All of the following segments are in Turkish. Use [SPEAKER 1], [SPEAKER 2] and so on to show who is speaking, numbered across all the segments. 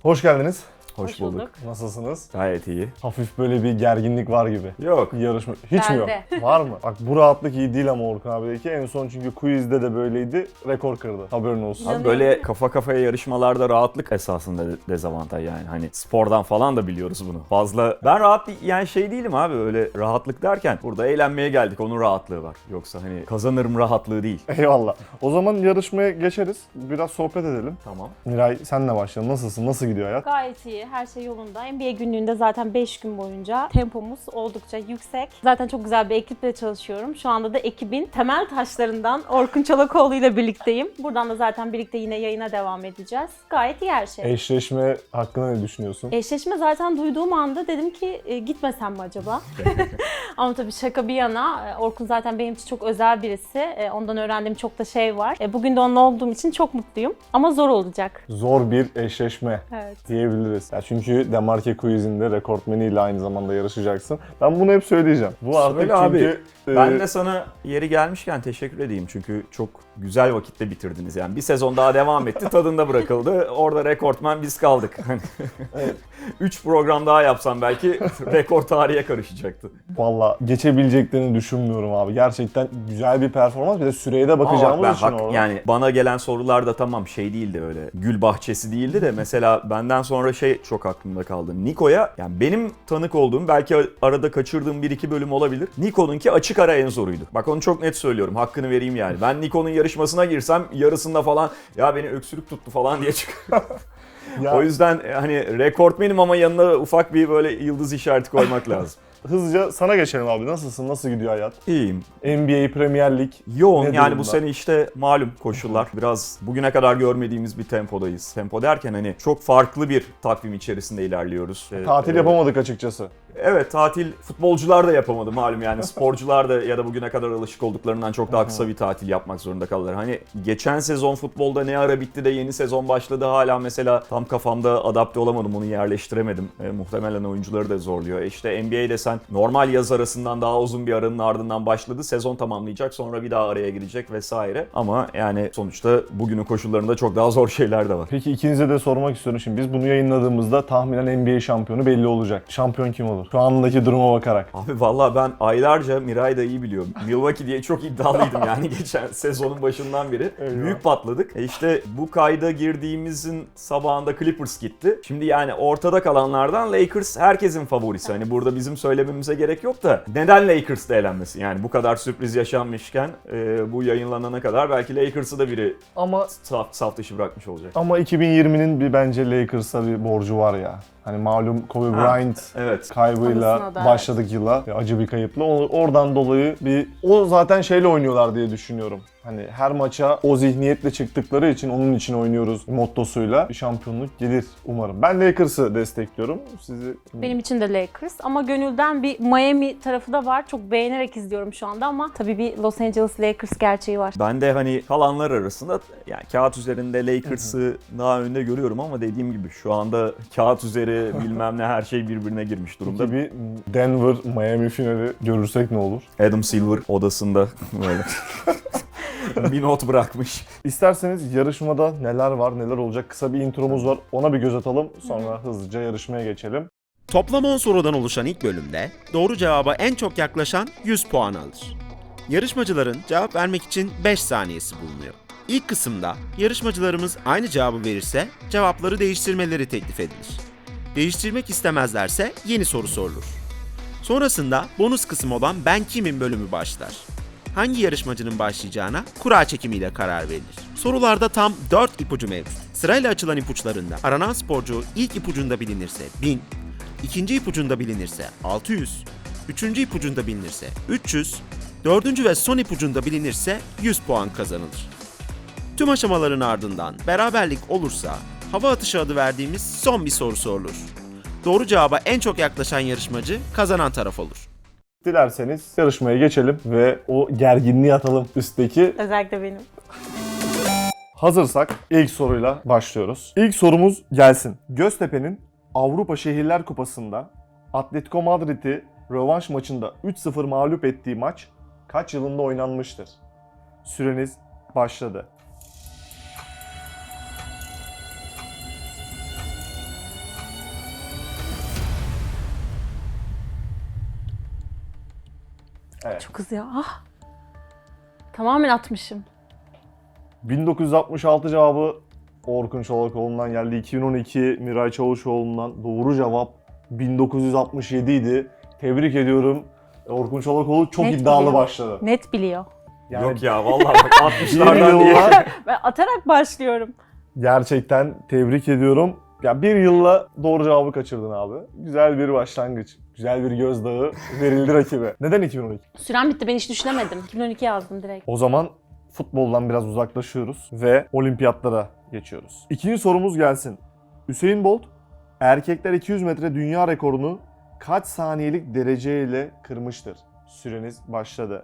[SPEAKER 1] Hoş geldiniz.
[SPEAKER 2] Hoş bulduk.
[SPEAKER 1] Nasılsınız?
[SPEAKER 2] Gayet iyi.
[SPEAKER 1] Hafif böyle bir gerginlik var gibi.
[SPEAKER 2] Yok.
[SPEAKER 1] Yarışma. Hiç mi yok?
[SPEAKER 3] Bende.
[SPEAKER 1] Var mı? Bak bu rahatlık iyi değil ama Orkun abideki. En son çünkü quizde de böyleydi. Rekor kırdı. Haberin olsun.
[SPEAKER 2] Abi böyle kafa kafaya yarışmalarda rahatlık esasında dezavantaj yani. Hani spordan falan da biliyoruz bunu. Fazla ben rahat yani şey değilim abi, öyle rahatlık derken burada eğlenmeye geldik, onun rahatlığı var. Yoksa hani kazanırım rahatlığı değil.
[SPEAKER 1] Eyvallah. O zaman yarışmaya geçeriz. Biraz sohbet edelim.
[SPEAKER 2] Tamam.
[SPEAKER 1] Miray senle başlayalım. Nasılsın? Nasıl gidiyor hayat?
[SPEAKER 3] Gayet iyi, her şey yolunda. NBA günlüğünde zaten 5 gün boyunca tempomuz oldukça yüksek. Zaten çok güzel bir ekiple çalışıyorum. Şu anda da ekibin temel taşlarından Orkun Çolakoğlu ile birlikteyim. Buradan da zaten birlikte yine yayına devam edeceğiz. Gayet iyi her şey.
[SPEAKER 1] Eşleşme hakkında ne düşünüyorsun?
[SPEAKER 3] Eşleşme zaten duyduğum anda dedim ki gitmesem mi acaba? Ama tabii şaka bir yana, Orkun zaten benim için çok özel birisi. Ondan öğrendiğim çok da şey var. Bugün de onunla olduğum için çok mutluyum. Ama zor olacak.
[SPEAKER 1] Zor bir eşleşme
[SPEAKER 3] Evet.
[SPEAKER 1] diyebiliriz. Ya çünkü Demarke Quiz'inde rekortmeniyle aynı zamanda yarışacaksın. Ben bunu hep söyleyeceğim. Bu artık
[SPEAKER 2] Söyle abi.
[SPEAKER 1] çünkü...
[SPEAKER 2] Ben de sana yeri gelmişken teşekkür edeyim çünkü çok güzel vakitte bitirdiniz yani. Bir sezon daha devam etti, tadında bırakıldı. Orada rekortmen biz kaldık.
[SPEAKER 1] Evet.
[SPEAKER 2] 3 program daha yapsam belki rekor tarihe karışacaktı.
[SPEAKER 1] Valla geçebileceklerini düşünmüyorum abi. Gerçekten güzel bir performans. Bir de süreye de bakacağımız
[SPEAKER 2] Ama
[SPEAKER 1] için orada.
[SPEAKER 2] yani bana gelen sorular da tamam şey değildi, öyle gül bahçesi değildi de mesela benden sonra şey çok aklımda kaldı. Niko'ya, yani benim tanık olduğum, belki arada kaçırdığım 1-2 bölüm olabilir. Niko'nunki açık ara en zoruydu. Bak onu çok net söylüyorum. Hakkını vereyim yani. Ben Niko'nun yarışmasına girsem yarısında falan ya beni öksürük tuttu falan diye çıkıyor.
[SPEAKER 1] Ya,
[SPEAKER 2] O yüzden hani rekortmenim ama yanına ufak bir böyle yıldız işareti koymak lazım.
[SPEAKER 1] hızlıca sana geçelim abi. Nasılsın? Nasıl gidiyor hayat?
[SPEAKER 2] İyiyim.
[SPEAKER 1] NBA, Premier Lig.
[SPEAKER 2] Yoğun
[SPEAKER 1] ne
[SPEAKER 2] yani
[SPEAKER 1] durumda?
[SPEAKER 2] bu sene işte malum koşullar. Biraz bugüne kadar görmediğimiz bir tempodayız. Tempo derken hani çok farklı bir takvim içerisinde ilerliyoruz.
[SPEAKER 1] Tatil yapamadık açıkçası.
[SPEAKER 2] Evet, tatil futbolcular da yapamadı malum yani, sporcular da ya da bugüne kadar alışık olduklarından çok daha kısa bir tatil yapmak zorunda kaldılar. Hani geçen sezon futbolda ne ara bitti de yeni sezon başladı, hala mesela tam kafamda adapte olamadım, onu yerleştiremedim. Muhtemelen oyuncuları da zorluyor. İşte NBA'de sen normal yaz arasından daha uzun bir aranın ardından başladı, sezon tamamlayacak, sonra bir daha araya girecek vesaire. Ama yani sonuçta bugünün koşullarında çok daha zor şeyler de var.
[SPEAKER 1] Peki ikinize de sormak istiyorum. Şimdi biz bunu yayınladığımızda tahminen NBA şampiyonu belli olacak. Şampiyon kim olur? Şu andaki duruma bakarak.
[SPEAKER 2] Abi vallahi ben aylarca, Miray da iyi biliyor, Milwaukee diye çok iddialıydım yani geçen sezonun başından beri.
[SPEAKER 1] Eyvah.
[SPEAKER 2] Büyük patladık. İşte bu kayda girdiğimizin sabahında Clippers gitti. Şimdi yani ortada kalanlardan Lakers herkesin favorisi. Hani burada bizim söylememize gerek yok da neden Lakers da elenmesin? Yani bu kadar sürpriz yaşanmışken bu yayınlanana kadar belki Lakers'ı da biri
[SPEAKER 1] Ama
[SPEAKER 2] saf dışı bırakmış olacak.
[SPEAKER 1] 2020'nin bir bence Lakers'a bir borcu var ya. Hani malum Kobe Bryant
[SPEAKER 2] Evet.
[SPEAKER 1] kaybıyla
[SPEAKER 3] Anısına da,
[SPEAKER 1] başladık yıla. Acı bir kayıpla. Oradan dolayı o zaten şeyle oynuyorlar diye düşünüyorum. Hani her maça o zihniyetle çıktıkları için onun için oynuyoruz mottosuyla bir şampiyonluk gelir umarım. Ben Lakers'ı destekliyorum. Sizi
[SPEAKER 3] Benim için de Lakers ama gönülden bir Miami tarafı da var. Çok beğenerek izliyorum şu anda ama tabii bir Los Angeles Lakers gerçeği var.
[SPEAKER 2] Ben de hani kalanlar arasında yani kağıt üzerinde Lakers'ı daha önde görüyorum ama dediğim gibi şu anda kağıt üzeri bilmem ne her şey birbirine girmiş durumda.
[SPEAKER 1] Peki bir Denver Miami finali görürsek ne olur?
[SPEAKER 2] Adam Silver odasında böyle bir not bırakmış.
[SPEAKER 1] İsterseniz yarışmada neler var, neler olacak kısa bir intromuz var. Ona bir göz atalım. Sonra hızlıca yarışmaya geçelim.
[SPEAKER 4] Toplam 10 sorudan oluşan ilk bölümde doğru cevaba en çok yaklaşan 100 puan alır. Yarışmacıların cevap vermek için 5 saniyesi bulunuyor. İlk kısımda yarışmacılarımız aynı cevabı verirse cevapları değiştirmeleri teklif edilir. Değiştirmek istemezlerse yeni soru sorulur. Sonrasında bonus kısım olan Ben Kimim bölümü başlar. Hangi yarışmacının başlayacağına kura çekimiyle karar verilir. Sorularda tam 4 ipucu mevcut. Sırayla açılan ipuçlarında aranan sporcu ilk ipucunda bilinirse 1000, ikinci ipucunda bilinirse 600, üçüncü ipucunda bilinirse 300, dördüncü ve son ipucunda bilinirse 100 puan kazanılır. Tüm aşamaların ardından beraberlik olursa hava atışı adı verdiğimiz son bir soru sorulur. Doğru cevaba en çok yaklaşan yarışmacı kazanan taraf olur.
[SPEAKER 1] Dilerseniz yarışmaya geçelim ve o gerginliği atalım üstteki.
[SPEAKER 3] Özellikle benim.
[SPEAKER 1] Hazırsak ilk soruyla başlıyoruz. İlk sorumuz gelsin. Göztepe'nin Avrupa Şehirler Kupası'nda Atletico Madrid'i rövanş maçında 3-0 mağlup ettiği maç kaç yılında oynanmıştır? Süreniz başladı. Evet.
[SPEAKER 3] Çok hızlı ya. Ah. Tamamen atmışım.
[SPEAKER 1] 1966 cevabı Orkun Çolakoğlu'ndan geldi. 2012 Miray Çavuşoğlu'ndan. Doğru cevap 1967 idi. Tebrik ediyorum. Orkun Çolakoğlu çok
[SPEAKER 3] Net
[SPEAKER 1] iddialı
[SPEAKER 3] biliyor.
[SPEAKER 1] başladı.
[SPEAKER 3] Net biliyor.
[SPEAKER 1] Yani
[SPEAKER 2] Yok ya vallahi bak
[SPEAKER 1] bir
[SPEAKER 2] 60'lardan diye.
[SPEAKER 1] yılla
[SPEAKER 3] Ben atarak başlıyorum.
[SPEAKER 1] gerçekten tebrik ediyorum. Ya bir yılla doğru cevabı kaçırdın abi. Güzel bir başlangıç. Güzel bir gözdağı verildi rakibe. Neden 2012?
[SPEAKER 3] Süren bitti, ben hiç düşünemedim. 2012 yazdım direkt.
[SPEAKER 1] O zaman futboldan biraz uzaklaşıyoruz ve olimpiyatlara geçiyoruz. İkinci sorumuz gelsin. Usain Bolt erkekler 200 metre dünya rekorunu kaç saniyelik dereceyle kırmıştır? Süreniz başladı.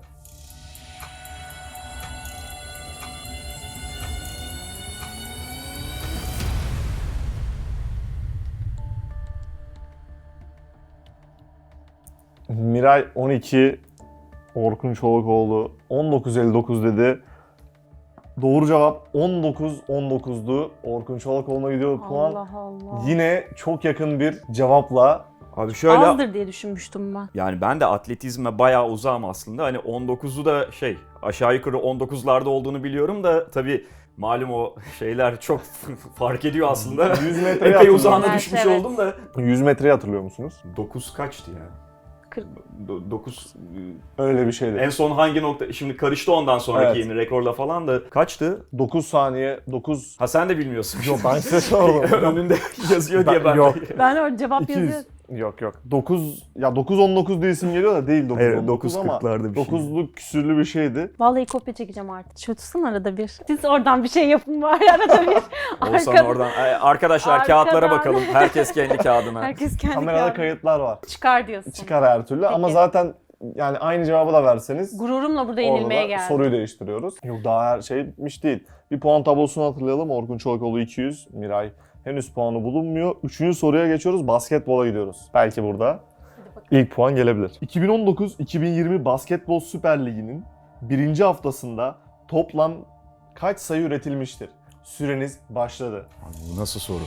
[SPEAKER 1] Miray 12, Orkun Çolakoğlu 19.59 dedi. Doğru cevap 19.19'du. Orkun Çolakoğlu'na gidiyor puan.
[SPEAKER 3] Allah Allah.
[SPEAKER 1] Yine çok yakın bir cevapla.
[SPEAKER 2] Abi şöyle
[SPEAKER 3] Azdır diye düşünmüştüm ben.
[SPEAKER 2] yani ben de atletizme bayağı uzağım aslında. Hani 19'u da aşağı yukarı 19'larda olduğunu biliyorum da tabii malum o şeyler çok fark ediyor aslında.
[SPEAKER 1] 100 metreye
[SPEAKER 2] Epey
[SPEAKER 1] hatırlıyorum.
[SPEAKER 2] uzağına
[SPEAKER 3] Evet,
[SPEAKER 2] düşmüş
[SPEAKER 3] evet.
[SPEAKER 2] oldum da.
[SPEAKER 1] 100 metreyi hatırlıyor musunuz?
[SPEAKER 2] 9 kaçtı ya?
[SPEAKER 3] 40.
[SPEAKER 2] 9
[SPEAKER 1] Öyle bir şeydi.
[SPEAKER 2] en son hangi nokta? Şimdi karıştı ondan sonraki
[SPEAKER 1] Evet.
[SPEAKER 2] yeni rekorla falan da. Kaçtı?
[SPEAKER 1] 9 saniye, 9...
[SPEAKER 2] Ha sen de bilmiyorsun.
[SPEAKER 1] Yok ben size sordum.
[SPEAKER 2] Önünde yazıyor diye ben.
[SPEAKER 1] Yok.
[SPEAKER 3] Ben o cevap
[SPEAKER 1] 200.
[SPEAKER 3] yazıyorum.
[SPEAKER 1] Yok. 9 ya 9.19 diye isim geliyor da değil 9.19
[SPEAKER 2] Evet,
[SPEAKER 1] ama
[SPEAKER 2] 9.40'larda bir şey.
[SPEAKER 1] 9'luk küsürlü bir şeydi.
[SPEAKER 3] Vallahi kopya çekeceğim artık. Şu tutsun arada bir. Siz oradan bir şey yapın var arada bir.
[SPEAKER 2] Olsan
[SPEAKER 3] Arkada-
[SPEAKER 2] oradan. Arkadaşlar
[SPEAKER 3] Arkadan.
[SPEAKER 2] kağıtlara bakalım. Herkes kendi kağıdına.
[SPEAKER 3] Herkes kendi
[SPEAKER 1] Kamerada
[SPEAKER 3] kağıdını-
[SPEAKER 1] kayıtlar var.
[SPEAKER 3] Çıkar diyorsun.
[SPEAKER 1] Çıkar her türlü ama
[SPEAKER 3] Peki.
[SPEAKER 1] zaten yani aynı cevabı da verseniz
[SPEAKER 3] Gururumla burada
[SPEAKER 1] orada
[SPEAKER 3] yenilmeye
[SPEAKER 1] da
[SPEAKER 3] geldim.
[SPEAKER 1] soruyu değiştiriyoruz. Yok daha her şey bitmiş değil. Bir puan tablosunu hatırlayalım. Orkun Çolakoğlu 200, Miray henüz puanı bulunmuyor. Üçüncü soruya geçiyoruz. Basketbola gidiyoruz. Belki burada ilk puan gelebilir. 2019-2020 Basketbol Süper Ligi'nin birinci haftasında toplam kaç sayı üretilmiştir? Süreniz başladı.
[SPEAKER 2] Bu nasıl soru?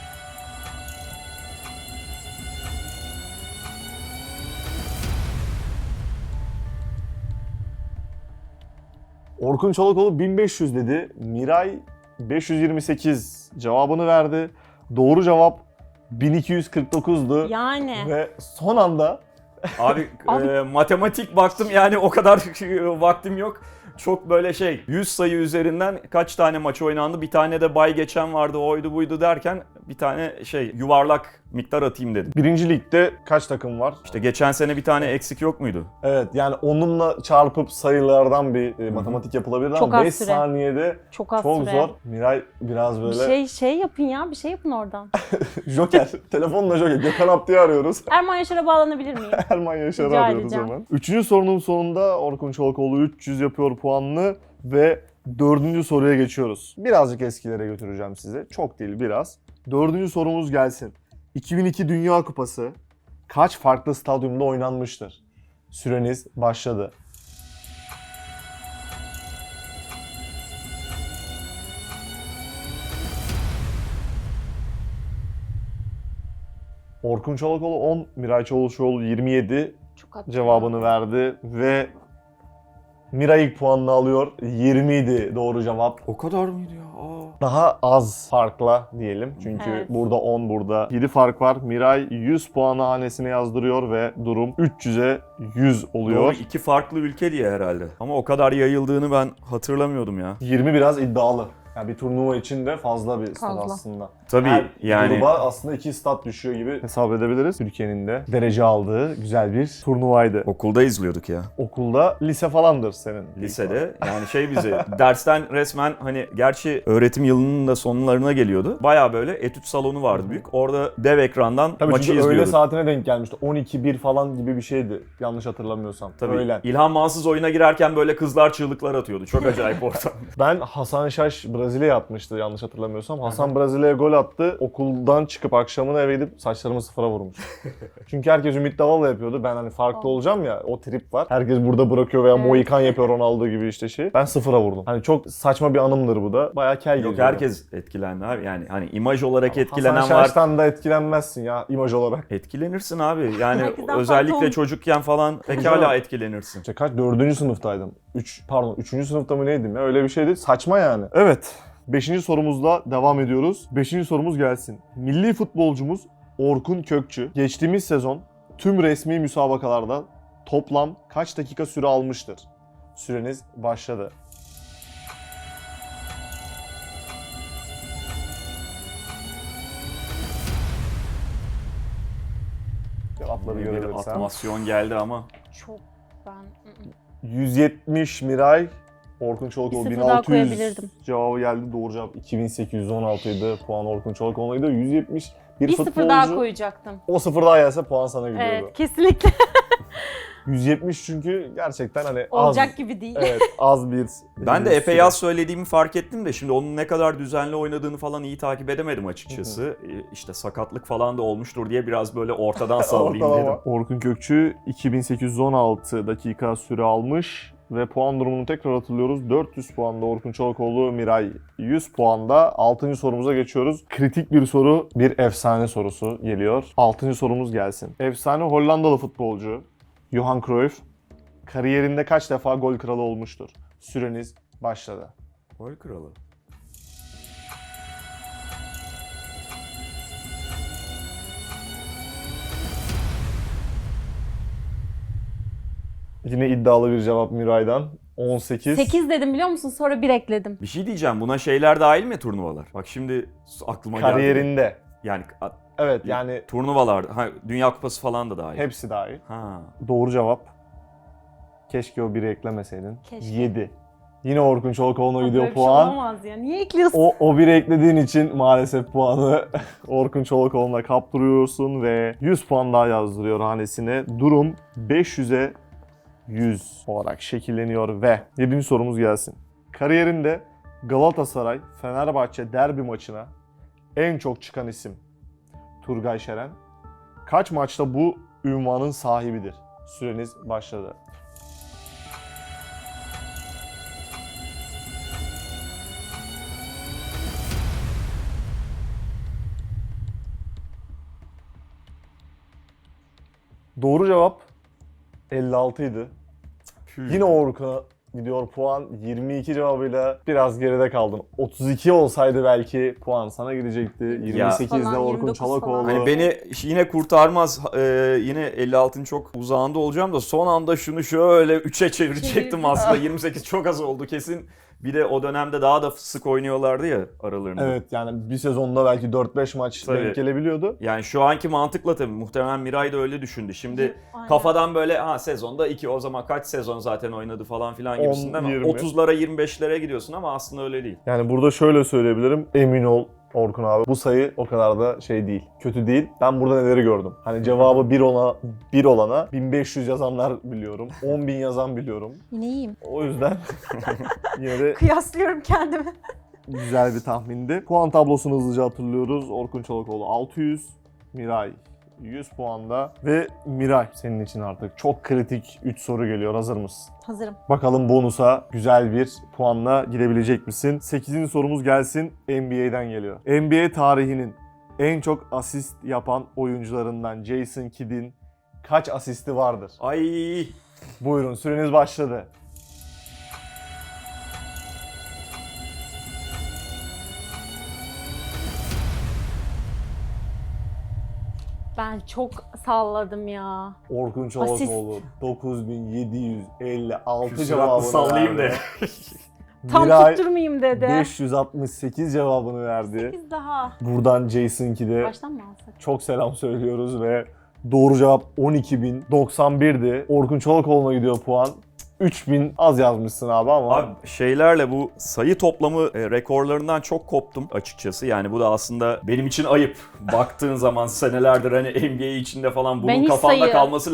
[SPEAKER 1] Orkun Çolakoğlu 1500 dedi. Miray 528 cevabını verdi. Doğru cevap 1249'du.
[SPEAKER 3] Yani.
[SPEAKER 1] Ve son anda
[SPEAKER 2] Abi,
[SPEAKER 3] Abi-
[SPEAKER 2] matematik baktım yani o kadar vaktim yok. Çok böyle 100 sayı üzerinden kaç tane maç oynandı, bir tane de bay geçen vardı, oydu buydu derken bir tane yuvarlak miktar atayım dedim.
[SPEAKER 1] birinci ligde kaç takım var?
[SPEAKER 2] İşte geçen sene bir tane eksik yok muydu?
[SPEAKER 1] Evet yani onunla çarpıp sayılardan bir matematik yapılabilir
[SPEAKER 3] Çok
[SPEAKER 1] ama
[SPEAKER 3] az
[SPEAKER 1] 5
[SPEAKER 3] süre.
[SPEAKER 1] saniyede
[SPEAKER 3] Çok az
[SPEAKER 1] çok
[SPEAKER 3] süre.
[SPEAKER 1] zor. Miray biraz
[SPEAKER 3] Bir
[SPEAKER 1] böyle
[SPEAKER 3] şey yapın ya. Bir şey yapın oradan.
[SPEAKER 1] Joker, telefonla Joker. Gökhan Abdi'yi arıyoruz.
[SPEAKER 3] Erman Yaşar'a bağlanabilir miyim?
[SPEAKER 1] Erman Yaşar'ı
[SPEAKER 3] Rica
[SPEAKER 1] arıyoruz
[SPEAKER 3] edeceğim.
[SPEAKER 1] hemen. Üçüncü sorunun sonunda Orkun Çolakoğlu 300 yapıyor puanını ve dördüncü soruya geçiyoruz. Birazcık eskilere götüreceğim sizi. Çok değil biraz. Dördüncü sorumuz gelsin. 2002 Dünya Kupası kaç farklı stadyumda oynanmıştır? Süreniz başladı. Orkun Çolakoğlu 10, Miray Çavuşoğlu 27
[SPEAKER 3] Çok az.
[SPEAKER 1] cevabını verdi ve Miray ilk puanını alıyor. 20 idi doğru cevap.
[SPEAKER 2] O kadar mıydı ya?
[SPEAKER 1] Daha az farkla diyelim. Çünkü
[SPEAKER 3] Evet.
[SPEAKER 1] burada 10, burada 7 fark var. Miray 100 puanı hanesine yazdırıyor ve durum 300'e 100 oluyor.
[SPEAKER 2] Doğru, iki farklı ülke diye herhalde. Ama o kadar yayıldığını ben hatırlamıyordum ya.
[SPEAKER 1] 20 biraz iddialı. Yani bir turnuva için de fazla bir stat
[SPEAKER 3] Fazla.
[SPEAKER 1] aslında.
[SPEAKER 2] Tabii
[SPEAKER 1] Her
[SPEAKER 2] yani.
[SPEAKER 1] gruba aslında 2 stat düşüyor gibi hesap edebiliriz. Türkiye'nin de derece aldığı güzel bir turnuvaydı.
[SPEAKER 2] Okulda izliyorduk ya.
[SPEAKER 1] Okulda lise falandır senin.
[SPEAKER 2] Lisede yani bizi dersten resmen gerçi öğretim yılının da sonlarına geliyordu. Baya böyle etüt salonu vardı büyük. Orada dev ekrandan
[SPEAKER 1] Tabii
[SPEAKER 2] maçı
[SPEAKER 1] çünkü öğle
[SPEAKER 2] izliyorduk.
[SPEAKER 1] saatine denk gelmişti. 12-1 falan gibi bir şeydi. Yanlış hatırlamıyorsam.
[SPEAKER 2] Tabii
[SPEAKER 1] Öğlen.
[SPEAKER 2] İlhan Mansız oyuna girerken böyle kızlar çığlıklar atıyordu. Çok acayip ortam.
[SPEAKER 1] Ben Hasan Şaş Brezilya'ya atmıştı yanlış hatırlamıyorsam. Hasan Brezilya'ya gol attı. Okuldan çıkıp akşamına eve gidip saçlarımı sıfıra vurmuş. Çünkü herkes Ümit Davala yapıyordu. Ben hani farklı olacağım ya, o trip var. Herkes burada bırakıyor veya Mohikan yapıyor Ronaldo gibi işte şey. Ben sıfıra vurdum. Hani çok saçma bir anımdır bu da. Bayağı kel
[SPEAKER 2] Yok,
[SPEAKER 1] geziyor.
[SPEAKER 2] herkes etkilendi abi. Yani hani imaj olarak
[SPEAKER 1] Hasan
[SPEAKER 2] etkilenen var.
[SPEAKER 1] Şaş'tan da etkilenmezsin ya imaj olarak.
[SPEAKER 2] Etkilenirsin abi. Yani
[SPEAKER 3] Herkesten
[SPEAKER 2] özellikle
[SPEAKER 3] farklı
[SPEAKER 2] çocukken falan pekala etkilenirsin.
[SPEAKER 1] İşte kaç? 4. sınıftaydım. 3 sınıfta mı neydim ya? Öyle bir şeydi. Saçma yani. Evet. 5. sorumuzla devam ediyoruz. 5. sorumuz gelsin. Milli futbolcumuz Orkun Kökçü geçtiğimiz sezon tüm resmi müsabakalarda toplam kaç dakika süre almıştır? Süreniz başladı. Cevapları
[SPEAKER 2] Bir
[SPEAKER 1] görebilirsem.
[SPEAKER 2] atmasyon geldi ama.
[SPEAKER 3] Çok ben...
[SPEAKER 1] 170 Miray, Orkun Çolakoğlu
[SPEAKER 3] Bir sıfır daha
[SPEAKER 1] 1600
[SPEAKER 3] koyabilirdim.
[SPEAKER 1] cevabı geldi. Doğru cevap 2816 idi. Puan Orkun Çolakoğlu'ydu. 170 bir
[SPEAKER 3] Bir
[SPEAKER 1] futbolcu.
[SPEAKER 3] sıfır daha koyacaktım.
[SPEAKER 1] O sıfır daha gelse puan sana gidiyordu.
[SPEAKER 3] Evet, kesinlikle.
[SPEAKER 1] 170 çünkü gerçekten hani
[SPEAKER 3] Olacak
[SPEAKER 1] az.
[SPEAKER 3] gibi değil.
[SPEAKER 1] Evet, az bir.
[SPEAKER 2] Ben de
[SPEAKER 1] bir
[SPEAKER 2] epey
[SPEAKER 1] süre.
[SPEAKER 2] az söylediğimi fark ettim de şimdi onun ne kadar düzenli oynadığını falan iyi takip edemedim açıkçası. İşte sakatlık falan da olmuştur diye biraz böyle ortadan sallayayım
[SPEAKER 1] Ortalama.
[SPEAKER 2] dedim.
[SPEAKER 1] Orkun Kökçü 2816 dakika süre almış ve puan durumunu tekrar hatırlıyoruz. 400 puanda Orkun Çolakoğlu, Miray 100 puanda. 6. sorumuza geçiyoruz. Kritik bir soru, bir efsane sorusu geliyor. 6. sorumuz gelsin. Efsane Hollandalı futbolcu Johan Cruyff kariyerinde kaç defa gol kralı olmuştur? Süreniz başladı.
[SPEAKER 2] Gol kralı.
[SPEAKER 1] Yine iddialı bir cevap Miray'dan. 18.
[SPEAKER 3] 8 dedim biliyor musun? Sonra 1 ekledim.
[SPEAKER 2] Bir şey diyeceğim, buna şeyler dahil mi, turnuvalar? Bak şimdi aklıma geldi.
[SPEAKER 1] Kariyerinde.
[SPEAKER 2] Yani
[SPEAKER 1] Evet yani
[SPEAKER 2] turnuvalar, Dünya Kupası falan da dahil.
[SPEAKER 1] hepsi dahil.
[SPEAKER 2] Ha.
[SPEAKER 1] Doğru cevap. Keşke o biri eklemeseydin.
[SPEAKER 3] Keşke.
[SPEAKER 1] 7. Yine Orkun Çolakoğlu'na
[SPEAKER 3] Böyle
[SPEAKER 1] gidiyor
[SPEAKER 3] bir şey
[SPEAKER 1] puan.
[SPEAKER 3] olamaz ya. Niye ekliyorsun?
[SPEAKER 1] O biri eklediğin için maalesef puanı Orkun Çolakoğlu'na kaptırıyorsun ve 100 puan daha yazdırıyor hanesine. Durum 500'e 100 olarak şekilleniyor ve 7. sorumuz gelsin. Kariyerinde Galatasaray Fenerbahçe derbi maçına en çok çıkan isim Turgay Şeren. Kaç maçta bu ünvanın sahibidir? Süreniz başladı. Doğru cevap 56 idi. Yine Orkun'a gidiyor puan. 22 cevabıyla biraz geride kaldın. 32 olsaydı belki puan sana gidecekti. 28'de
[SPEAKER 3] Falan,
[SPEAKER 1] Orkun
[SPEAKER 3] 29
[SPEAKER 1] Çolakoğlu.
[SPEAKER 3] falan.
[SPEAKER 2] Hani beni yine kurtarmaz. Yine 56'ın çok uzağında olacağım da son anda şunu şöyle 3'e çevirecektim
[SPEAKER 3] Çevirdim.
[SPEAKER 2] aslında. 28 çok az oldu kesin. Bir de o dönemde daha da sık oynuyorlardı ya aralarında.
[SPEAKER 1] Evet yani bir sezonda belki 4-5 maç
[SPEAKER 2] Tabii.
[SPEAKER 1] denk gelebiliyordu.
[SPEAKER 2] Yani şu anki mantıkla tabii muhtemelen Miray da öyle düşündü. Şimdi
[SPEAKER 3] Aynen.
[SPEAKER 2] kafadan böyle sezonda 2 o zaman kaç sezon zaten oynadı falan filan gibisinden
[SPEAKER 1] 10, 20.
[SPEAKER 2] 30'lara 25'lere gidiyorsun ama aslında öyle değil.
[SPEAKER 1] Yani burada şöyle söyleyebilirim. Emin ol Orkun abi. Bu sayı o kadar da şey değil. Kötü değil. Ben burada neleri gördüm. Hani cevabı 1 olana 1500 yazanlar biliyorum. 10.000 yazan biliyorum.
[SPEAKER 3] Yine iyiyim.
[SPEAKER 1] O yüzden yine de
[SPEAKER 3] Kıyaslıyorum kendimi.
[SPEAKER 1] güzel bir tahmindi. Puan tablosunu hızlıca hatırlıyoruz. Orkun Çolakoğlu 600, Miray 100 puanda ve Miray senin için artık çok kritik 3 soru geliyor. Hazır mısın?
[SPEAKER 3] Hazırım.
[SPEAKER 1] Bakalım bonusa güzel bir puanla gidebilecek misin? 8. sorumuz gelsin. NBA'den geliyor. NBA tarihinin en çok asist yapan oyuncularından Jason Kidd'in kaç asisti vardır?
[SPEAKER 2] Ay
[SPEAKER 1] Buyurun süreniz başladı.
[SPEAKER 3] Ben çok salladım ya.
[SPEAKER 1] Orkun Çolakoğlu 9756
[SPEAKER 2] küsuratlı
[SPEAKER 1] cevabını
[SPEAKER 2] sallayayım da.
[SPEAKER 1] verdi.
[SPEAKER 3] Tam
[SPEAKER 1] Miray
[SPEAKER 3] tutturmayayım dedi.
[SPEAKER 1] 568 cevabını verdi.
[SPEAKER 3] 8 daha.
[SPEAKER 1] Buradan Jason Kidd'e
[SPEAKER 3] Baştan mı alsak?
[SPEAKER 1] çok selam söylüyoruz ve doğru cevap 12.091'di. Orkun Çolakoğlu'na gidiyor puan. 3000 az yazmışsın abi ama.
[SPEAKER 2] Abi şeylerle bu sayı toplamı rekorlarından çok koptum açıkçası. Yani bu da aslında benim için ayıp. Baktığın zaman senelerdir hani NBA içinde falan bunun
[SPEAKER 3] Ben hiç
[SPEAKER 2] kafanda
[SPEAKER 3] sayı-
[SPEAKER 2] kalması lazım.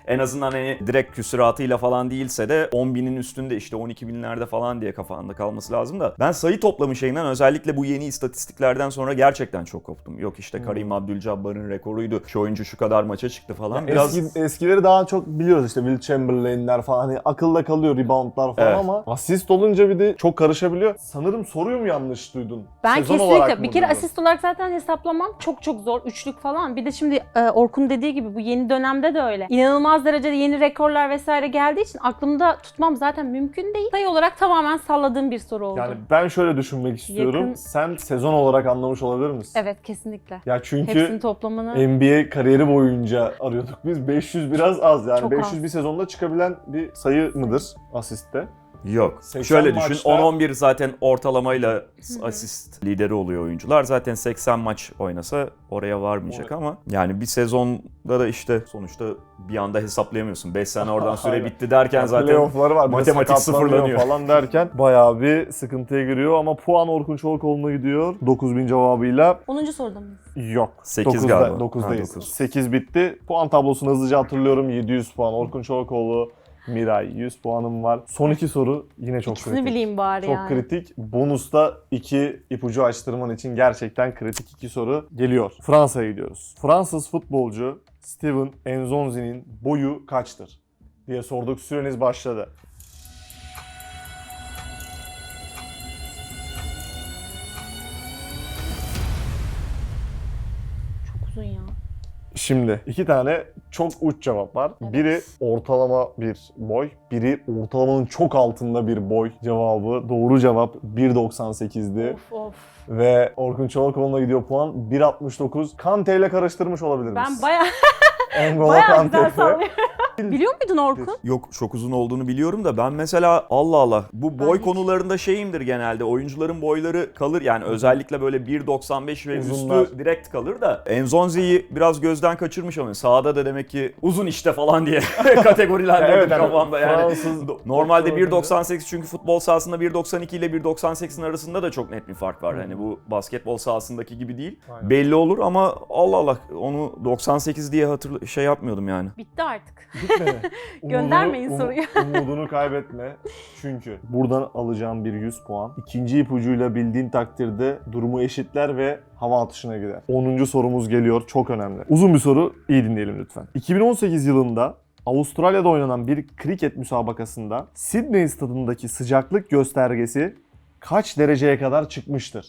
[SPEAKER 2] en azından hani direkt küsuratıyla falan değilse de 10.000'in üstünde işte 12.000'lerde falan diye kafanda kalması lazım da. Ben sayı toplamı şeyinden özellikle bu yeni istatistiklerden sonra gerçekten çok koptum. Yok işte Karim Abdul-Jabbar'ın rekoruydu. Şu oyuncu şu kadar maça çıktı falan. Biraz
[SPEAKER 1] Eskileri daha çok biliyoruz işte Will Chamberlain'ler falan hani akılda kalıyor reboundlar falan
[SPEAKER 2] Evet.
[SPEAKER 1] ama asist olunca bir de çok karışabiliyor. Sanırım soruyu mu yanlış duydun?
[SPEAKER 3] Ben
[SPEAKER 1] Sezon olarak
[SPEAKER 3] kesinlikle
[SPEAKER 1] mı
[SPEAKER 3] bir kere
[SPEAKER 1] duydun?
[SPEAKER 3] asist olarak zaten hesaplamam çok zor. Üçlük falan. Bir de şimdi Orkun dediği gibi bu yeni dönemde de öyle. İnanılmaz derecede yeni rekorlar vesaire geldiği için aklımda tutmam zaten mümkün değil. Sayı olarak tamamen salladığım bir soru oldu.
[SPEAKER 1] Yani ben şöyle düşünmek istiyorum.
[SPEAKER 3] Yakın.
[SPEAKER 1] Sen sezon olarak anlamış olabilir misin?
[SPEAKER 3] Evet, kesinlikle.
[SPEAKER 1] Ya
[SPEAKER 3] Hepsinin
[SPEAKER 1] çünkü
[SPEAKER 3] toplamını
[SPEAKER 1] NBA kariyeri boyunca arıyorduk biz. 500 biraz az yani.
[SPEAKER 3] Çok
[SPEAKER 1] 500
[SPEAKER 3] az.
[SPEAKER 1] bir sezonda çıkabilen bir sayı mıdır asiste?
[SPEAKER 2] yok.
[SPEAKER 1] 80
[SPEAKER 2] Şöyle düşün,
[SPEAKER 1] maçta-
[SPEAKER 2] 10-11 zaten ortalamayla asist lideri oluyor oyuncular. Zaten 80 maç oynasa oraya varmayacak
[SPEAKER 1] Evet.
[SPEAKER 2] ama yani bir sezonda da işte sonuçta bir anda hesaplayamıyorsun. 5 sene oradan süre
[SPEAKER 1] Aynen.
[SPEAKER 2] bitti derken
[SPEAKER 1] Yani
[SPEAKER 2] zaten
[SPEAKER 1] playoff'ları var. bir de
[SPEAKER 2] matematik
[SPEAKER 1] sakatlanıyor
[SPEAKER 2] sıfırlanıyor.
[SPEAKER 1] falan derken bayağı bir sıkıntıya giriyor ama puan Orkun Çolakoğlu'na gidiyor. 9000 cevabıyla
[SPEAKER 3] 10. soruda mıyız?
[SPEAKER 1] yok.
[SPEAKER 2] 8 galiba.
[SPEAKER 1] 9'dayız.
[SPEAKER 2] Ha, 9.
[SPEAKER 1] 8 bitti. Puan tablosunu hızlıca hatırlıyorum. 700 puan Orkun Çolakoğlu, Miray 100 puanım var. Son 2 soru yine çok
[SPEAKER 3] İkisini
[SPEAKER 1] kritik.
[SPEAKER 3] bileyim bari
[SPEAKER 1] Çok
[SPEAKER 3] yani.
[SPEAKER 1] kritik. Bonusta 2 ipucu açtırman için gerçekten kritik 2 soru geliyor. Fransa'ya gidiyoruz. Fransız futbolcu Steven Nzonzi'nin boyu kaçtır diye sorduk. Süreniz başladı.
[SPEAKER 3] Çok uzun ya.
[SPEAKER 1] Şimdi 2 tane çok uç cevap var.
[SPEAKER 3] Evet.
[SPEAKER 1] Biri ortalama bir boy, biri ortalamanın çok altında bir boy cevabı. Doğru cevap 1.98'di.
[SPEAKER 3] Of.
[SPEAKER 1] Ve Orkun Çolakoğlu'na gidiyor puan 1.69. Kante ile karıştırmış olabilir misin?
[SPEAKER 3] Ben bayağı
[SPEAKER 1] N'Golo Kante
[SPEAKER 3] güzel
[SPEAKER 1] ile.
[SPEAKER 3] sallıyorum. Biliyor muydun Orkun?
[SPEAKER 2] Yok, çok uzun olduğunu biliyorum da ben mesela Allah Allah bu boy
[SPEAKER 3] hiç-
[SPEAKER 2] konularında şeyimdir genelde. Oyuncuların boyları kalır yani özellikle böyle 1.95 ve
[SPEAKER 1] Uzunlar.
[SPEAKER 2] üstü direkt kalır da Nzonzi'yi biraz gözden kaçırmış ama sahada da demek ki uzun işte falan diye kategorilendirdim
[SPEAKER 1] Evet, yani
[SPEAKER 2] kafamda yani.
[SPEAKER 1] Fransız
[SPEAKER 2] Normalde
[SPEAKER 1] doktor
[SPEAKER 2] 1.98 çünkü futbol sahasında 1.92 ile 1.98'in arasında da çok net bir fark var. Hani bu basketbol sahasındaki gibi değil.
[SPEAKER 1] Aynen.
[SPEAKER 2] Belli olur ama Allah Allah onu 98 diye şey yapmıyordum yani.
[SPEAKER 3] Bitti artık.
[SPEAKER 1] Bitmedi.
[SPEAKER 3] Göndermeyin soruyu.
[SPEAKER 1] Umudunu kaybetme. Çünkü buradan alacağım bir 100 puan. İkinci ipucuyla bildiğin takdirde durumu eşitler ve hava atışına gider. 10. sorumuz geliyor. Çok önemli. Uzun bir soru. İyi dinleyelim lütfen. 2018 yılında Avustralya'da oynanan bir kriket müsabakasında Sydney stadındaki sıcaklık göstergesi kaç dereceye kadar çıkmıştır?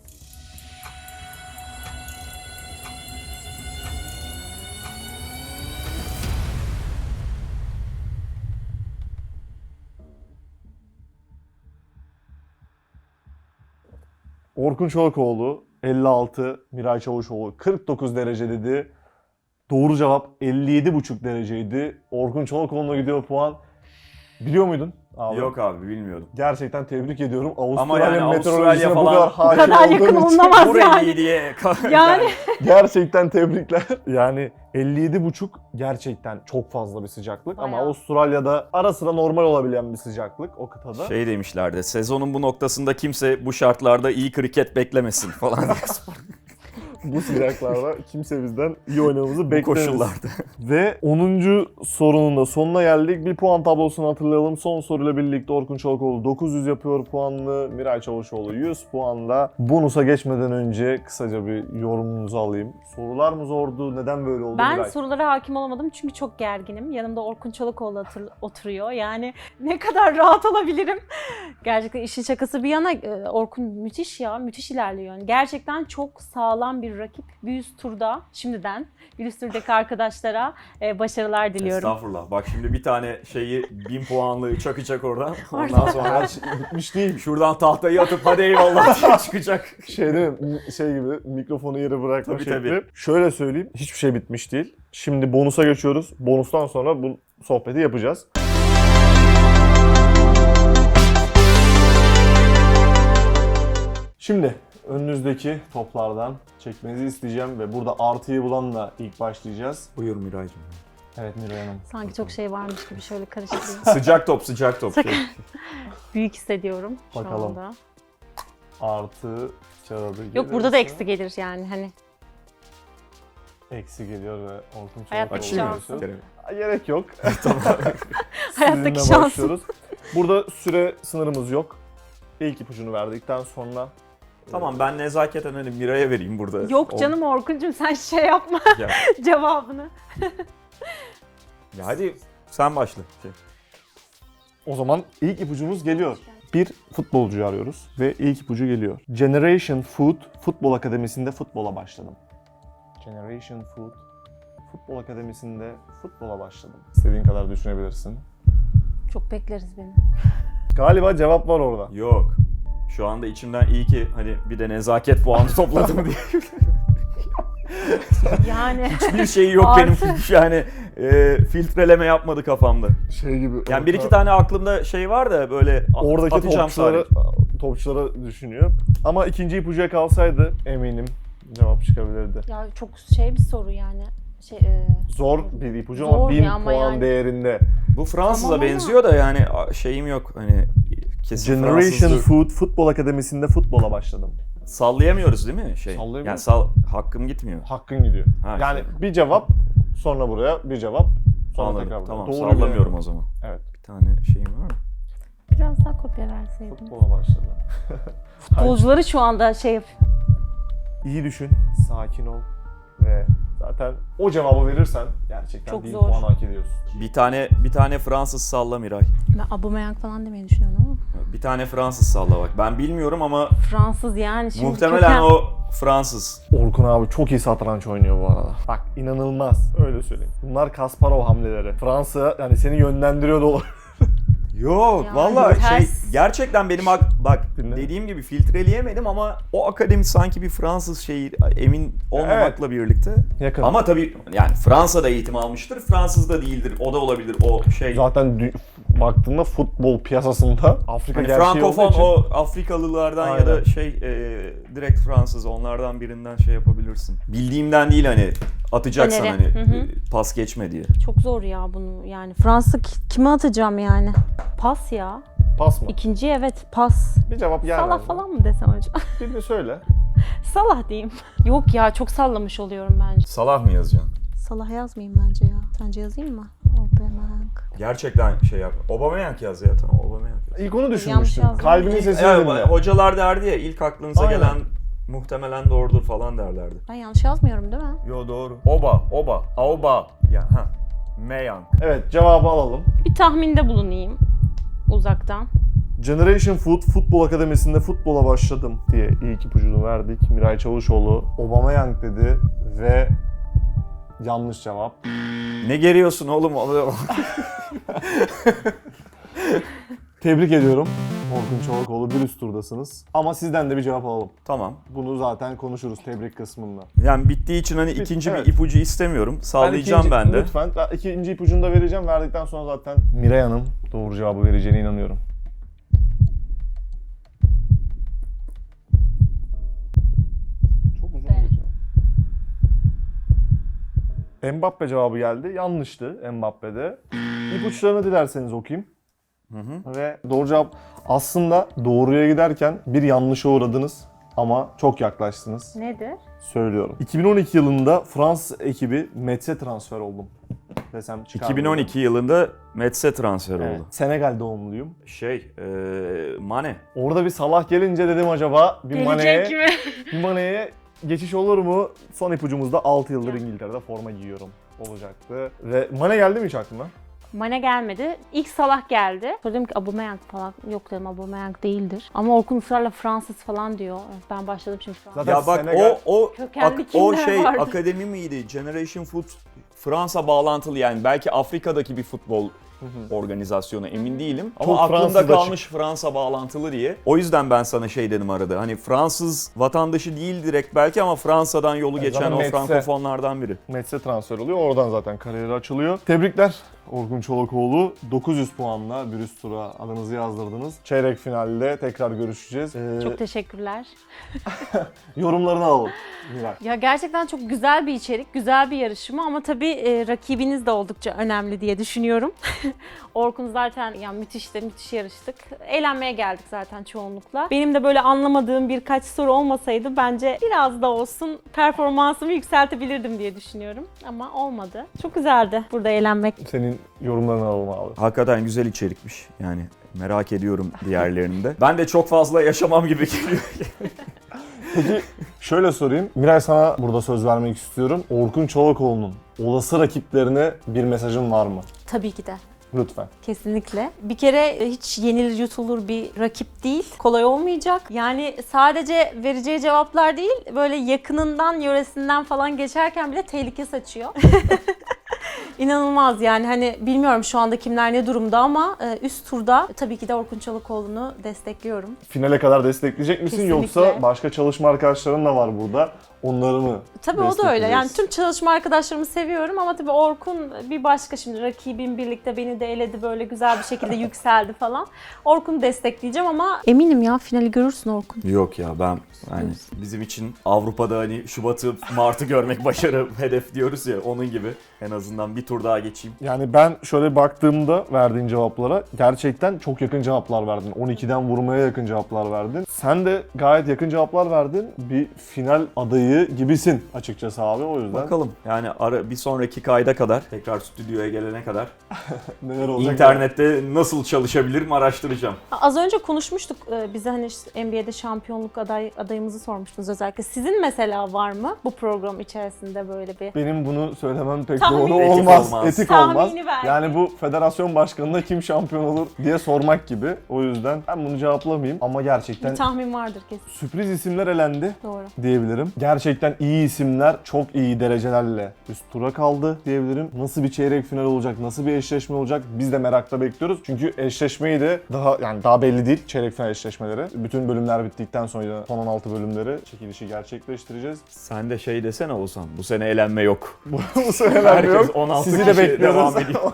[SPEAKER 1] Orkun Çolakoğlu 56, Miray Çavuşoğlu 49 derece dedi. Doğru cevap 57,5 dereceydi. Orkun Çolakoğlu'na gidiyor puan. Biliyor muydun? Abi,
[SPEAKER 2] Yok abi bilmiyordum.
[SPEAKER 1] Gerçekten tebrik ediyorum.
[SPEAKER 2] Ama
[SPEAKER 1] Avustralya
[SPEAKER 2] yani
[SPEAKER 1] meteorolojisine
[SPEAKER 2] Avustralya
[SPEAKER 1] bu
[SPEAKER 2] falan-
[SPEAKER 1] kadar hakim
[SPEAKER 3] Bu kadar yakın
[SPEAKER 1] olduğun için
[SPEAKER 3] olunamaz
[SPEAKER 2] Burayı
[SPEAKER 3] yani.
[SPEAKER 2] diye.
[SPEAKER 3] Yani
[SPEAKER 1] gerçekten tebrikler. Yani 57,5 gerçekten çok fazla bir sıcaklık ama
[SPEAKER 3] Bayağı.
[SPEAKER 1] Avustralya'da ara sıra normal olabilen bir sıcaklık o kıtada.
[SPEAKER 2] Şey demişlerdi, sezonun bu noktasında kimse bu şartlarda iyi kriket beklemesin falan diye.
[SPEAKER 1] Bu sıcaklarda kimse bizden iyi oynamamızı
[SPEAKER 2] bu
[SPEAKER 1] beklemez.
[SPEAKER 2] koşullarda.
[SPEAKER 1] Ve 10. sorunun da sonuna geldik. Bir puan tablosunu hatırlayalım. Son soruyla birlikte Orkun Çolakoğlu 900 yapıyor puanlı. Miray Çavuşoğlu 100 puanla. Bonusa geçmeden önce kısaca bir yorumunuzu alayım. Sorular mı zordu? Neden böyle oldu
[SPEAKER 3] ben
[SPEAKER 1] Miray?
[SPEAKER 3] sorulara hakim olamadım çünkü çok gerginim. Yanımda Orkun Çolakoğlu oturuyor. Yani ne kadar rahat olabilirim. Gerçekten işin şakası bir yana Orkun müthiş ya. Müthiş ilerliyor. Yani gerçekten çok sağlam bir rakip. Bir üst turda şimdiden bir üst turdaki arkadaşlara başarılar diliyorum.
[SPEAKER 2] Estağfurullah. Bak şimdi bir tane şeyi 1000 puanlı çakacak oradan. Ondan sonra
[SPEAKER 1] Her şey bitmiş değil.
[SPEAKER 2] şuradan tahtayı atıp hadi eyvallah diye çıkacak.
[SPEAKER 1] Şey değil mi? Şey gibi mikrofonu yere bırakma
[SPEAKER 2] Tabii,
[SPEAKER 1] şekli.
[SPEAKER 2] tabii.
[SPEAKER 1] Şöyle söyleyeyim. Hiçbir şey bitmiş değil. Şimdi bonusa geçiyoruz. Bonustan sonra bu sohbeti yapacağız. Şimdi önünüzdeki toplardan çekmenizi isteyeceğim ve burada artıyı bulanla ilk başlayacağız.
[SPEAKER 2] Buyur Miraycığım.
[SPEAKER 1] Evet Miray Hanım.
[SPEAKER 3] Sanki çok şey varmış gibi şöyle karıştırayım.
[SPEAKER 2] Sıcak top, sıcak top. Şey.
[SPEAKER 3] Büyük hissediyorum şu
[SPEAKER 1] Bakalım.
[SPEAKER 3] anda.
[SPEAKER 1] Artı kağıdı
[SPEAKER 3] Yok burada da eksi gelir yani hani.
[SPEAKER 1] Eksi geliyor ve Orkun
[SPEAKER 3] Hayattaki
[SPEAKER 1] Çolakoğlu
[SPEAKER 3] şansı.
[SPEAKER 1] oluyorsun. Gerek yok.
[SPEAKER 3] Hayattaki
[SPEAKER 1] Sizinle
[SPEAKER 3] şans.
[SPEAKER 1] başlıyoruz. Burada süre sınırımız yok. İlk ipucunu verdikten sonra
[SPEAKER 2] Tamam, ben nezaketen hani Miray'a vereyim burada.
[SPEAKER 3] Yok canım Orkun'cum sen şey yapma
[SPEAKER 2] Ya,
[SPEAKER 3] cevabını.
[SPEAKER 2] ya hadi sen başla.
[SPEAKER 1] o zaman ilk ipucumuz geliyor. Bir futbolcuyu arıyoruz ve ilk ipucu geliyor. Generation Food Futbol Akademisi'nde futbola başladım. Generation Food Futbol Akademisi'nde futbola başladım. İstediğin kadar düşünebilirsin.
[SPEAKER 3] Çok bekleriz beni.
[SPEAKER 1] Galiba cevap var orada.
[SPEAKER 2] Yok. Şu anda içimden iyi ki hani bir de nezaket puanı topladım diye.
[SPEAKER 3] Yani
[SPEAKER 2] Hiçbir şey yok
[SPEAKER 3] Artı.
[SPEAKER 2] benim yani filtreleme yapmadı kafamda.
[SPEAKER 1] Şey gibi.
[SPEAKER 2] Yani bir iki tane aklımda şey var da böyle
[SPEAKER 1] oradaki
[SPEAKER 2] atacağım
[SPEAKER 1] topçulara düşünüyor. Ama ikinci ipucuya kalsaydı eminim cevap çıkabilirdi.
[SPEAKER 3] ya çok şey bir soru yani.
[SPEAKER 1] Zor bir ipucu
[SPEAKER 3] Zor
[SPEAKER 1] ama 1000
[SPEAKER 3] ya ama
[SPEAKER 1] puan
[SPEAKER 3] yani.
[SPEAKER 1] değerinde.
[SPEAKER 2] Bu Fransız'a
[SPEAKER 3] Tamam ama-
[SPEAKER 2] benziyor da yani şeyim yok hani kesin
[SPEAKER 1] Generation
[SPEAKER 2] Fransızca.
[SPEAKER 1] Food Futbol Akademisi'nde futbola başladım.
[SPEAKER 2] Sallayamıyoruz değil mi şey?
[SPEAKER 1] Sallayamıyoruz.
[SPEAKER 2] Yani hakkım gitmiyor.
[SPEAKER 1] Hakkın gidiyor.
[SPEAKER 2] Ha,
[SPEAKER 1] Yani
[SPEAKER 2] şey.
[SPEAKER 1] bir cevap, sonra buraya bir cevap, sonra
[SPEAKER 2] Anladım.
[SPEAKER 1] tekrar buraya.
[SPEAKER 2] Tamam,
[SPEAKER 1] Doğru
[SPEAKER 2] sallamıyorum
[SPEAKER 1] bir-
[SPEAKER 2] o zaman.
[SPEAKER 1] Evet.
[SPEAKER 2] Bir tane şeyim var mı?
[SPEAKER 3] Biraz daha kopya verseydin.
[SPEAKER 1] Futbola başladı.
[SPEAKER 3] Futbolcuları şu anda şey yap.
[SPEAKER 1] İyi düşün, sakin ol ve zaten o cevabı verirsen gerçekten
[SPEAKER 3] Çok
[SPEAKER 1] 1000
[SPEAKER 3] zor.
[SPEAKER 1] puan hak ediyorsun.
[SPEAKER 2] Bir tane Fransız salla Miray.
[SPEAKER 3] Ben Aubameyang falan demeyi düşünüyorum ama.
[SPEAKER 2] Bir tane Fransız salla bak. Ben bilmiyorum ama
[SPEAKER 3] Fransız yani şimdi
[SPEAKER 2] muhtemelen
[SPEAKER 3] köken-
[SPEAKER 2] o Fransız.
[SPEAKER 1] Orkun abi çok iyi satranç oynuyor bu arada. Bak inanılmaz, öyle söyleyeyim. Bunlar Kasparov hamleleri. Fransa yani seni yönlendiriyor da olabilir.
[SPEAKER 2] Yok
[SPEAKER 3] Yani
[SPEAKER 2] vallahi
[SPEAKER 3] ters.
[SPEAKER 2] gerçekten benim bak
[SPEAKER 1] Dinle.
[SPEAKER 2] dediğim gibi filtreleyemedim ama o akademi sanki bir Fransız şeyi emin olmamakla birlikte.
[SPEAKER 1] Yakın.
[SPEAKER 2] Ama tabii yani Fransa'da eğitim almıştır. Fransız da değildir. O da olabilir o şey.
[SPEAKER 1] Zaten baktığında futbol piyasasında Afrika
[SPEAKER 2] Hani
[SPEAKER 1] gerçeği
[SPEAKER 2] Frankofon
[SPEAKER 1] olduğu için
[SPEAKER 2] o Afrikalılardan ya da
[SPEAKER 1] Aynen.
[SPEAKER 2] direkt Fransız onlardan birinden şey yapabilirsin. Bildiğimden değil hani atacaksan
[SPEAKER 3] Öneri.
[SPEAKER 2] hani
[SPEAKER 3] Hı hı.
[SPEAKER 2] pas geçme diye.
[SPEAKER 3] Çok zor ya bunu yani. Fransa kime atacağım yani? Pas ya.
[SPEAKER 1] pas mı?
[SPEAKER 3] İkinci evet pas.
[SPEAKER 1] Bir cevap yer
[SPEAKER 3] Salah
[SPEAKER 1] ver.
[SPEAKER 3] falan mı desem acaba?
[SPEAKER 1] Birini söyle.
[SPEAKER 3] Salah diyeyim. Yok ya çok sallamış oluyorum bence.
[SPEAKER 2] Salah mı yazacaksın?
[SPEAKER 3] Salah yazmayayım bence ya. Sence yazayım mı? Aubameyang.
[SPEAKER 2] Gerçekten şey yap. Aubameyang yaz ya tamam Aubameyang yaz.
[SPEAKER 1] İlk onu
[SPEAKER 3] Yanlış
[SPEAKER 1] düşünmüştüm.
[SPEAKER 3] yazdım.
[SPEAKER 1] Kalbinin sesini
[SPEAKER 2] Yani
[SPEAKER 1] dinle.
[SPEAKER 2] hocalar derdi ya ilk aklınıza
[SPEAKER 1] Aynen.
[SPEAKER 2] gelen muhtemelen doğrudur falan derlerdi.
[SPEAKER 3] Ben yanlış yazmıyorum değil mi?
[SPEAKER 2] Yo doğru. Auba. Ya Meyang.
[SPEAKER 1] Evet, cevabı alalım.
[SPEAKER 3] Bir tahminde bulunayım uzaktan.
[SPEAKER 1] Generation Food Futbol Akademisi'nde futbola başladım diye ilk ipucunu verdik. Miray Çavuşoğlu Aubameyang dedi ve yanlış cevap.
[SPEAKER 2] Ne geriyorsun oğlum?
[SPEAKER 1] Tebrik ediyorum. Orkun Çolakoğlu bir üst turdasınız. Ama sizden de bir cevap alalım.
[SPEAKER 2] Tamam.
[SPEAKER 1] Bunu zaten konuşuruz tebrik kısmında.
[SPEAKER 2] Yani bittiği için hani ikinci
[SPEAKER 1] evet.
[SPEAKER 2] bir ipucu istemiyorum. Sallayacağım
[SPEAKER 1] ikinci-
[SPEAKER 2] ben de.
[SPEAKER 1] Lütfen. Ben ikinci ipucunu da vereceğim. Verdikten sonra zaten Miray Hanım doğru cevabı vereceğine inanıyorum. Çok uzun bir cevap. Mbappe cevabı geldi. Yanlıştı Mbappe'de. İpuçlarını dilerseniz okuyayım. Ve doğru cevap aslında doğruya giderken bir yanlışa uğradınız ama çok yaklaştınız.
[SPEAKER 3] Nedir?
[SPEAKER 1] Söylüyorum. 2012 yılında Fransız ekibi Metz'e transfer oldum desem çıkar mı?
[SPEAKER 2] 2012 yılında Metz'e transfer
[SPEAKER 1] Evet.
[SPEAKER 2] oldu.
[SPEAKER 1] Senegal doğumluyum.
[SPEAKER 2] Mane.
[SPEAKER 1] Orada bir Salah gelince dedim acaba bir
[SPEAKER 3] Gelecek mi?
[SPEAKER 1] Mane'ye geçiş olur mu? Son ipucumuzda 6 yıldır İngiltere'de forma giyiyorum olacaktı. Ve Mane geldi mi hiç aklına?
[SPEAKER 3] Mane gelmedi. İlk Salah geldi. Sonra dedim ki Aubameyang falan. Yok dedim Aubameyang değildir. Ama Orkun ısrarla Fransız falan diyor. Ben başladım şimdi Fransız.
[SPEAKER 1] Zaten
[SPEAKER 2] Ya bak
[SPEAKER 1] Senegal-
[SPEAKER 2] o
[SPEAKER 3] Kökenli
[SPEAKER 2] o
[SPEAKER 3] kimler
[SPEAKER 2] şey
[SPEAKER 3] vardı?
[SPEAKER 2] akademi miydi? Generation Food Fransa bağlantılı yani belki Afrika'daki bir futbol organizasyonu emin değilim. Ama
[SPEAKER 1] Çok
[SPEAKER 2] aklımda
[SPEAKER 1] Fransız'da
[SPEAKER 2] kalmış Fransa bağlantılı diye. O yüzden ben sana şey dedim arada. Hani Fransız vatandaşı değil direkt belki ama Fransa'dan yolu geçen
[SPEAKER 1] zaten
[SPEAKER 2] o
[SPEAKER 1] Metz'e-
[SPEAKER 2] Frankofonlardan biri.
[SPEAKER 1] Metz'e transfer oluyor. Oradan zaten kariyeri açılıyor. Tebrikler Orkun Çolakoğlu 900 puanla bir üst tura adınızı yazdırdınız. Çeyrek finalde tekrar görüşeceğiz.
[SPEAKER 3] Çok teşekkürler.
[SPEAKER 1] Yorumlarını alalım Miray.
[SPEAKER 3] Ya gerçekten çok güzel bir içerik, güzel bir yarışma ama tabii rakibiniz de oldukça önemli diye düşünüyorum. Orkun zaten yani müthiş yarıştık. Eğlenmeye geldik zaten çoğunlukla. Benim de böyle anlamadığım birkaç soru olmasaydı bence biraz da olsun performansımı yükseltebilirdim diye düşünüyorum. Ama olmadı. Çok güzeldi burada eğlenmek.
[SPEAKER 1] Senin yorumlarını alalım abi.
[SPEAKER 2] Hakikaten güzel içerikmiş yani. Merak ediyorum diğerlerinde. Ben de çok fazla yaşamam gibi geliyor.
[SPEAKER 1] Peki şöyle sorayım. Miray, sana burada söz vermek istiyorum. Orkun Çolakoğlu'nun olası rakiplerine bir mesajın var mı?
[SPEAKER 3] Tabii ki de.
[SPEAKER 1] Lütfen.
[SPEAKER 3] Kesinlikle. Bir kere hiç yenilir yutulur bir rakip değil. Kolay olmayacak. Yani sadece vereceği cevaplar değil, böyle yakınından, yöresinden falan geçerken bile tehlike saçıyor. İnanılmaz yani, hani bilmiyorum şu anda kimler ne durumda ama üst turda tabii ki de Orkun Çolakoğlu'nu destekliyorum.
[SPEAKER 1] Finale kadar destekleyecek misin
[SPEAKER 3] Kesinlikle.
[SPEAKER 1] yoksa başka çalışma arkadaşların da var burada. Onları mı
[SPEAKER 3] Tabii o da öyle. Yani
[SPEAKER 1] destekleyeceksin?
[SPEAKER 3] tüm çalışma arkadaşlarımı seviyorum ama tabii Orkun bir başka, şimdi rakibim birlikte beni de eledi, böyle güzel bir şekilde yükseldi falan. Orkun'u destekleyeceğim ama eminim ya finali görürsün Orkun.
[SPEAKER 2] Yok ya, ben hani bizim için Avrupa'da hani Şubat'ı Mart'ı görmek başarı hedef diyoruz ya, onun gibi en azından bir tur daha geçeyim.
[SPEAKER 1] Yani ben şöyle baktığımda verdiğin cevaplara gerçekten çok yakın cevaplar verdin. 12'den vurmaya yakın cevaplar verdin. Sen de gayet yakın cevaplar verdin. Bir final adayı gibisin açıkçası abi, o yüzden.
[SPEAKER 2] Bakalım yani bir sonraki kayda kadar, tekrar stüdyoya gelene kadar
[SPEAKER 1] Neler olacak?
[SPEAKER 2] internette nasıl çalışabilirim araştıracağım.
[SPEAKER 3] Az önce konuşmuştuk, bize hani işte NBA'de şampiyonluk adayımızı sormuştunuz özellikle. Sizin mesela var mı bu program içerisinde böyle bir?
[SPEAKER 1] Benim bunu söylemem pek
[SPEAKER 3] Tahmin-
[SPEAKER 1] doğru
[SPEAKER 2] Etik
[SPEAKER 1] olmaz.
[SPEAKER 2] olmaz.
[SPEAKER 1] Etik
[SPEAKER 3] Tahmini
[SPEAKER 1] olmaz.
[SPEAKER 3] ver.
[SPEAKER 1] Yani bu federasyon başkanına kim şampiyon olur diye sormak gibi. O yüzden ben bunu cevaplamayayım ama gerçekten
[SPEAKER 3] Bir tahmin vardır kesin.
[SPEAKER 1] sürpriz isimler elendi
[SPEAKER 3] Doğru.
[SPEAKER 1] diyebilirim. Gerçekten iyi isimler çok iyi derecelerle üst tura kaldı diyebilirim. Nasıl bir çeyrek final olacak, nasıl bir eşleşme olacak biz de merakla bekliyoruz. Çünkü eşleşmeyi de daha belli değil çeyrek final eşleşmeleri. Bütün bölümler bittikten sonra son 16 bölümleri çekilişi gerçekleştireceğiz.
[SPEAKER 2] Sen de şey desene Oğuzhan, bu sene elenme yok.
[SPEAKER 1] Bu seneler
[SPEAKER 2] Herkes
[SPEAKER 1] yok.
[SPEAKER 2] 16
[SPEAKER 1] Sizi de
[SPEAKER 2] kişi
[SPEAKER 1] bekliyoruz.
[SPEAKER 2] devam ediyor.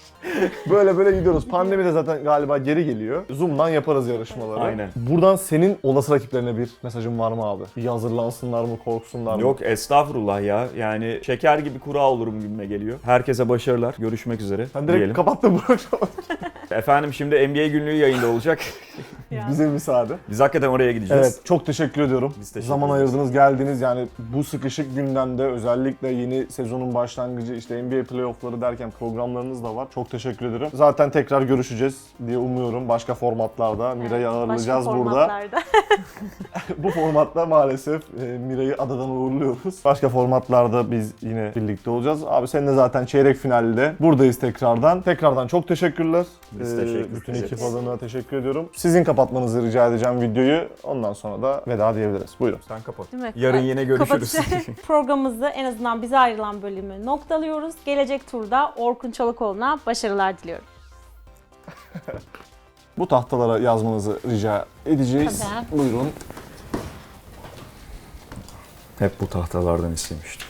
[SPEAKER 1] Böyle gidiyoruz. Pandemi de zaten galiba geri geliyor. Zoom'dan yaparız yarışmaları.
[SPEAKER 2] Aynen.
[SPEAKER 1] Buradan senin olası rakiplerine bir mesajın var mı abi? Bir hazırlansınlar mı, korksunlar mı?
[SPEAKER 2] Yok estağfurullah ya, yani şeker gibi kura olurum gibime geliyor. Herkese başarılar, görüşmek üzere
[SPEAKER 1] Ben direkt
[SPEAKER 2] diyelim.
[SPEAKER 1] kapattım bu programı.
[SPEAKER 2] Efendim şimdi NBA günlüğü yayında olacak.
[SPEAKER 1] Bize müsaade.
[SPEAKER 2] Biz hakikaten oraya gideceğiz.
[SPEAKER 1] Evet, çok teşekkür ediyorum.
[SPEAKER 2] Biz teşekkür
[SPEAKER 1] Zaman
[SPEAKER 2] ederiz.
[SPEAKER 1] ayırdınız, geldiniz. Yani bu sıkışık gündemde özellikle yeni sezonun başlangıcı, işte NBA playoff'ları derken programlarınız da var. Çok teşekkür ederim. Zaten tekrar görüşeceğiz diye umuyorum. Başka formatlarda Miray'ı ağırlayacağız
[SPEAKER 3] Başka
[SPEAKER 1] burada.
[SPEAKER 3] formatlarda.
[SPEAKER 1] Bu formatta maalesef Miray'ı adadan uğurluyoruz. Başka formatlarda biz yine birlikte olacağız. Abi senin de zaten çeyrek finalde buradayız tekrardan. Tekrardan çok teşekkürler.
[SPEAKER 2] Biz teşekkür
[SPEAKER 1] Bütün
[SPEAKER 2] ederiz.
[SPEAKER 1] ekip adına teşekkür ediyorum. Sizin kapatmanızı rica edeceğim videoyu. Ondan sonra da veda diyebiliriz. Buyurun.
[SPEAKER 2] Sen kapat.
[SPEAKER 3] Değil mi?
[SPEAKER 2] Yarın yine görüşürüz.
[SPEAKER 3] Programımızı en azından bize ayrılan bölümü noktalıyoruz. Gelecek turda Orkun Çolakoğlu'na başarılar diliyorum.
[SPEAKER 1] Bu tahtalara yazmanızı rica edeceğiz.
[SPEAKER 3] Tabii.
[SPEAKER 1] Buyurun.
[SPEAKER 2] Hep bu tahtalardan istemiştim.